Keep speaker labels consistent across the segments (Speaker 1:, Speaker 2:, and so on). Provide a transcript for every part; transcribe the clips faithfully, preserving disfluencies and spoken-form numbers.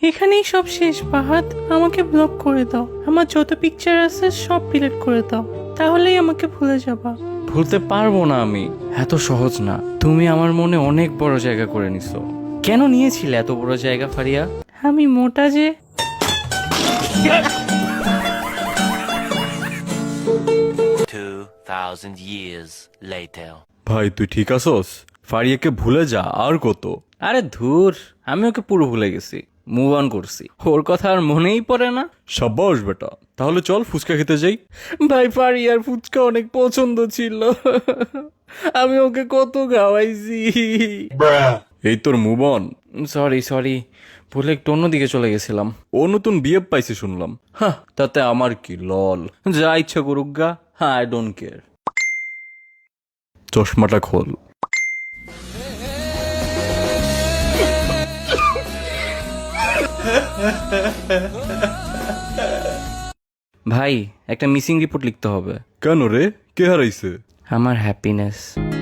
Speaker 1: এখানেই সব শেষ ফাহাদ, আমাকে ব্লক করে দাও। আমার যত পিকচার আছে সব ডিলিট করে দাও, তাহলেই আমাকে ভুলে যাবা।
Speaker 2: ভুলতে পারবো না আমি, এত সহজ না। তুমি আমার মনে অনেক বড় জায়গা করে নিছো। কেন নিয়েছিলে এত বড় জায়গা ফারিয়া?
Speaker 1: আমি মোটা যে।
Speaker 3: two thousand years later.
Speaker 4: ভাই তুই ঠিক আছস? ফারিয়াকে ভুলে যা, আর কত?
Speaker 2: আরে ধুর, আমি ওকে পুরো ভুলে গেছি, মুভ অন করছি। ওর কথা আর মনেই পড়ে না।
Speaker 4: সাব্বাস বেটা, তাহলে চল ফুচকা খেতে যাই।
Speaker 2: ভাই ফারিয়ার ফুচকা অনেক পছন্দ ছিল, আমি ওকে কত খাওয়াইছি।
Speaker 4: এই তোর মুভ অন।
Speaker 2: সরি সরি, ভুলে একটু অন্যদিকে চলে গেছিলাম।
Speaker 4: ও নতুন বিয়ে পাইছে শুনলাম।
Speaker 2: হ্যাঁ, তাতে আমার কি, লল, যা ইচ্ছা করুক গা, হ্যাঁ আই ডোন্ট কেয়ার।
Speaker 4: চশমাটা খোল।
Speaker 2: ভাই একটা মিসিং রিপোর্ট লিখতে হবে।
Speaker 4: কেন রে, কে হারাইছে?
Speaker 2: আমার হ্যাপিনেস।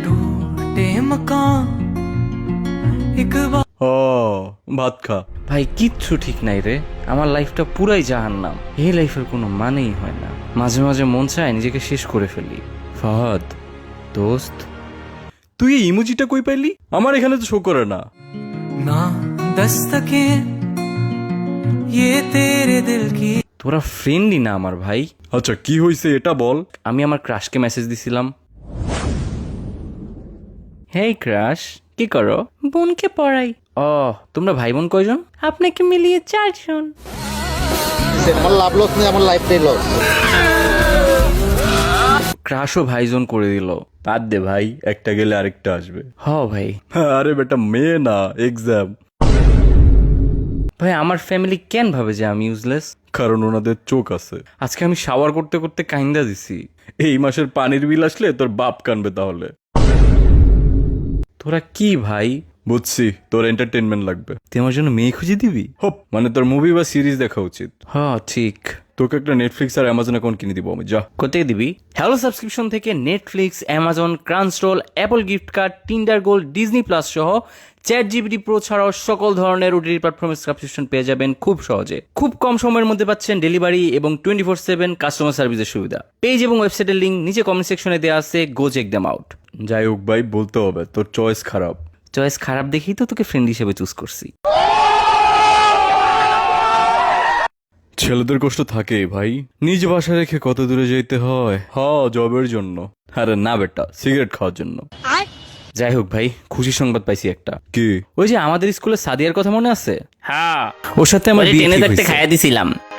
Speaker 4: ও ভাত খা।
Speaker 2: ভাই কিচ্ছু ঠিক নাই রে, আমার লাইফটা পুরাই জাহান্নাম। এই লাইফের কোনো মানেই হয় না, মাঝে মাঝে মন চায় নিজেকে শেষ করে ফেলি। ফাহাদ দোস্ত,
Speaker 4: তুই এই ইমোজিটা কই পাইলি? আমার এখানে তো শো করে না।
Speaker 5: ना दस्तके ये तेरे दिल की।
Speaker 2: তোরা ফ্রেন্ডই না আমার ভাই।
Speaker 4: আচ্ছা কি হয়েছে এটা বল।
Speaker 2: আমি আমার ক্রাশকে মেসেজ দিছিলাম, হেই ক্রাশ কি করো?
Speaker 1: বোনকে পড়াই।
Speaker 2: ও, তোমরা ভাই বোন কয়জন?
Speaker 1: আপনাকে মিলিয়ে চারজন।
Speaker 6: আমার লাভ লস নেই, আমার লাইফটাই লস।
Speaker 2: ক্রাশও ভাইজন করে দিল।
Speaker 4: বাদ দে ভাই, একটা গেলে আরেকটা আসবে।
Speaker 2: হ ভাই।
Speaker 4: আরে বেটা মেয়ে না, এক্সাম।
Speaker 2: ভাই আমার ফ্যামিলি কেন ভাবে যে আমি ইউজলেস?
Speaker 4: কারণ ওনাদের চোখ আছে।
Speaker 2: আজকে আমি শাওয়ার করতে করতে কাইন্দা দিছি।
Speaker 4: এই মাসের পানির বিল আসলে তোর বাপ কানবে তাহলে।
Speaker 2: তোরা কি ভাই?
Speaker 4: বুঝছি, তোর এন্টারটেনমেন্ট লাগবে।
Speaker 2: তুই আমার জন্য মেয়ে খুঁজে দিবি?
Speaker 4: হোপ, মানে তোর মুভি বা সিরিজ দেখা উচিত।
Speaker 2: হ ঠিক।
Speaker 4: তোকে একটা নেটফ্লিক্স আর অ্যামাজন অ্যাকাউন্ট কিনে দিব আমি, যা।
Speaker 2: কোথায় দিবি? হ্যালো সাবস্ক্রিপশন থেকে Netflix, Amazon, Crunchyroll, Apple gift card, Tinder gold, Disney plus সহ চ্যাট জিপিটি প্রো ছাড়াও সকল ধরনের ওটিটি প্ল্যাটফর্মের সাবস্ক্রিপশন পেয়ে যাবেন খুব সহজে। খুব কম সময়ের মধ্যে পাচ্ছেন ডেলিভারি এবং টোয়েন্টি ফোর সেভেন কাস্টমার সার্ভিসের সুবিধা। পেজ এবং ওয়েবসাইটের লিঙ্ক নিচে কমেন্ট সেকশনে দেওয়া আছে, গো চেক দেম আউট।
Speaker 4: যাই হোক ভাই, বলতে হবে তোর চয়েস খারাপ।
Speaker 2: চয়েস খারাপ দেখেই তো তোকে ফ্রেন্ড হিসেবে চুজ করছি।
Speaker 4: ছেলেদের কষ্ট থাকে ভাই, নিজ বাসা রেখে কত দূরে যেতে হয়। হ, জবের জন্য। আরে না বেটা, সিগারেট খাওয়ার জন্য।
Speaker 2: যাই হোক ভাই, খুশি সংবাদ পাইছি একটা।
Speaker 4: কি?
Speaker 2: ওই যে আমাদের স্কুলে সাদিয়ার কথা মনে আছে? হ্যাঁ, ওর সাথে আমার বিয়ে ঠিক হইছে।
Speaker 1: খাইয়া দিছিলাম।